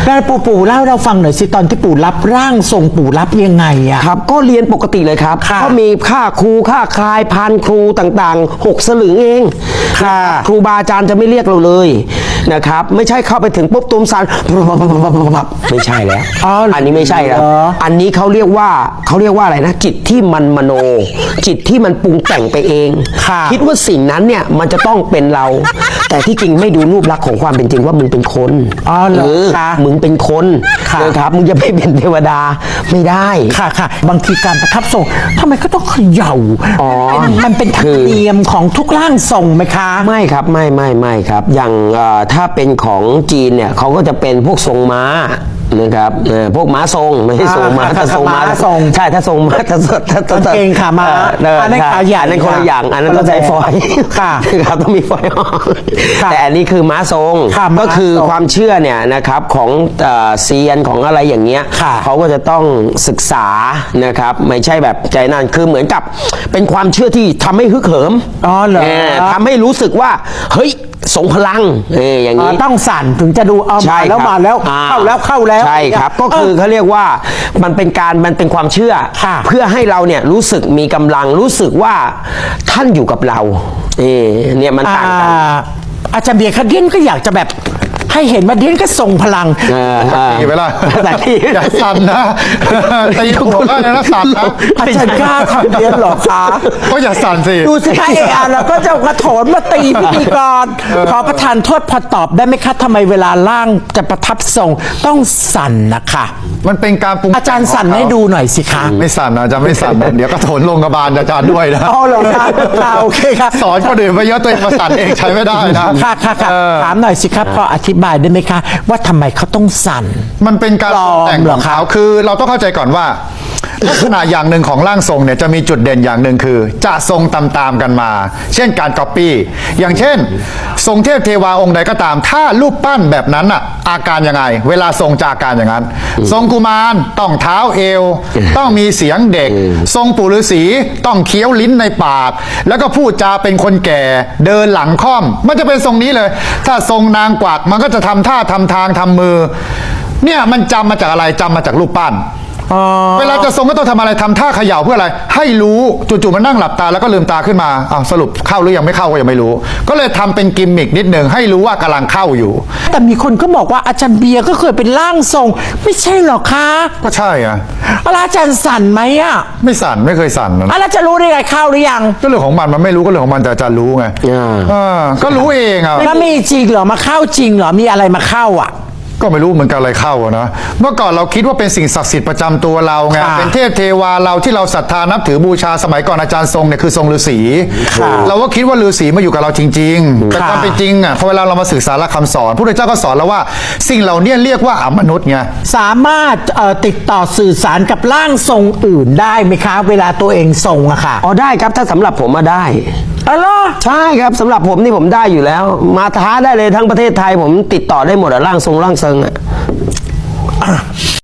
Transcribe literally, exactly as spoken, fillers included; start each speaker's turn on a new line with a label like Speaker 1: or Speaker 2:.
Speaker 1: แล้วปู่ปู่เล่าเราฟังหน่อยสิตอนที่ปู่รับร่างทรงปู่รับยังไงอะ
Speaker 2: ครับก็เรียนปกติเลยครับก็มีค่าครูค่าคลายพันครูต่างๆหกสลึงเองครูบาอาจารย์จะไม่เรียกเราเลยนะครับไม่ใช่เข้าไปถึงปุ๊บตุ้มซันไม่ใช่แล้วอันนี้ไม่ใช่แล้วอันนี้เขาเรียกว่าเขาเรียกว่าอะไรนะจิตที่มันมโนจิตที่มันปรุงแต่งไปเองคิดว่าสิ่งนั้นเนี่ยมันจะต้องเป็นเราแต่ที่จริงไม่ดูรูปลักษณ์ของความเป็นจริงว่ามึงเป็นคน
Speaker 1: อ๋อเหรอ
Speaker 2: มึงเป็นคนนะครับมึงจะไปเป็นเทวดาไม่ได้
Speaker 1: ค่ะค่ะบางทีการประทับทรงทำไมก็ต้องเขย่าอ๋อมันเป็นธรรมเนียมของทุกร่างทรงไหมคะ
Speaker 2: ไม่ครับไม่ไม่ไม่ครับอย่างถ้าเป็นของจีนเนี่ยเขาก็จะเป็นพวกทรงม้านะครับพวกม้าทรงไม่ใช่ทรงม้าถ้าทรงม้าทรงใช่ถ้าทรงม้าถ้าถ้าถ้า
Speaker 1: เก่งขาม้า
Speaker 2: อันนั้นขาใหญ่อันนั้นคนละอย่างอันนั้นต้องใช้ฟอยล์ค่ะครับต้องมีฟอยล์แต่อันนี้คือม้าทรงก็คือความเชื่อเนี่ยนะครับของเซียนของอะไรอย่างเงี้ยเขาก็จะต้องศึกษานะครับไม่ใช่แบบใจนั่นคือเหมือนกับเป็นความเชื่อที่ทำให้ฮึกเหิม
Speaker 1: อ๋อเหรอ
Speaker 2: ทำให้รู้สึกว่าเฮ้ยทรงพลังเอออย่างนี้
Speaker 1: ต้องสั่นถึงจะดูเอามาแล้วมาแล้วเข้าแล้วเข้าแล้ว
Speaker 2: ใช่ครับก็คือเขาเรียกว่ามันเป็นการมันเป็นความเชื่อเพื่อให้เราเนี่ยรู้สึกมีกำลังรู้สึกว่าท่านอยู่กับเราเออเนี่ยมันต่างกัน
Speaker 1: อาจารย์เบียร์คดีนก็อยากจะแบบให้เห็นว่าเดียนก็ทรงพลัง
Speaker 3: ตีไปละ
Speaker 2: แต่ที่
Speaker 3: อย่าสั่นนะตีหัวก็นะสั่นนะ
Speaker 1: อาจารย์กล้าทำเดียนหรอคะ
Speaker 3: ก็อย่าสั่นสิ
Speaker 1: ดูสิคะเออเราก็จะกระโถนมาตีพิธีกรขอประทานโทษพอตอบได้ไหมคะทำไมเวลาล่างจะประทับทรงต้องสั่นนะคะ
Speaker 3: มันเป็นการปรุง
Speaker 1: อาจารย์สั่นให้ดูหน่อยสิคะ
Speaker 3: ไม่สั่นนะจะไม่สั่นเดี๋ยวกระโถนลงกระบาลอาจารย์ด้วยนะ
Speaker 1: อ๋อเหรอคะโอเคครับ
Speaker 3: สอนคนอื่นไปเยอะตัวเองมาสั่นเองใช้ไม่ได้นะ
Speaker 1: ค่ะค่ะถามหน่อยสิครับพออธิบายได้ไหมคะว่าทำไมเขาต้องสั่น
Speaker 3: มันเป็นการแต่งของเขาคือเราต้องเข้าใจก่อนว่าลักษณะอย่างหนึ่งของร่างทรงเนี่ยจะมีจุดเด่นอย่างหนึ่งคือจะทรงตามๆกันมาเช่นการก๊อปปี้อย่างเช่นทรงเทพเทวาองค์ใดก็ตามถ้ารูปปั้นแบบนั้นอะอาการยังไงเวลาทรงจะอาการอย่างนั้นทรงกุมารต้องเท้าเอวต้องมีเสียงเด็กทรงปู่ฤาษีต้องเคี้ยวลิ้นในปากแล้วก็พูดจาเป็นคนแก่เดินหลังค่อมมันจะเป็นทรงนี้เลยถ้าทรงนางกวักมันก็จะทำท่าทำทางทำมือเนี่ยมันจำมาจากอะไรจำมาจากรูปปั้นเวลาจะทรงก็ต้องทำอะไรทำท่าเขย่าเพื่ออะไรให้รู้จู่ๆมันนั่งหลับตาแล้วก็ลืมตาขึ้นมาอ้าวสรุปเข้าหรือยังไม่เข้าก็ยังไม่รู้ก็เลยทำเป็นกิมมิกนิดหนึ่งให้รู้ว่ากำลังเข้าอยู่
Speaker 1: แต่มีคนก็บอกว่าอาจารย์เบียร์ก็เคยเป็นร่างทรงไม่ใช่หรอคะ
Speaker 3: ก็ใช่อะ
Speaker 1: อาจารย์สั่นไหมอะ
Speaker 3: ไม่สั่นไม่เคยสั่นนะ
Speaker 1: แล้วจะรู้ได้ไงเข้าหรือยัง
Speaker 3: ก็เรื่องของมันมันไม่รู้ก็เรื่องของมันแต่อาจารย์รู้ไงอ่าก็รู้เองอะ
Speaker 1: แล้วมีจริงเหรอมาเข้าจริงเหรอมีอะไรมาเข้าอ่ะ
Speaker 3: ก็ไม่รู้เหมือนกันอะไรเข้านะเมื่อก่อนเราคิดว่าเป็นสิ่งศักดิ์สิทธิ์ประจำตัวเราไงเป็นเทพเทวาเราที่เราศรัทธานับถือบูชาสมัยก่อนอาจารย์ทรงเนี่ยคือทรงฤาษีเราก็คิดว่าฤาษีมาอยู่กับเราจริงๆแต่ความเป็นจริงอ่ะพอเวลาเรามาศึกษาหลักคำสอนพระพุทธเจ้าก็สอนเราว่าสิ่งเหล่านี้เรียกว่าอมนุษย์ไง
Speaker 1: สามารถติดต่อสื่อสารกับร่างทรงอื่นได้ไหมคะเวลาตัวเองทรงอะค่ะ
Speaker 2: อ๋อได้ครับถ้าสำหรับผมมาได้
Speaker 1: อ๋อ
Speaker 2: ใช่ครับสำหรับผมนี่ผมได้อยู่แล้วมาท้าได้เลยทั้งประเทศไทยผมติดต่อได้หมดอะร่างทรงร่างทรงอะ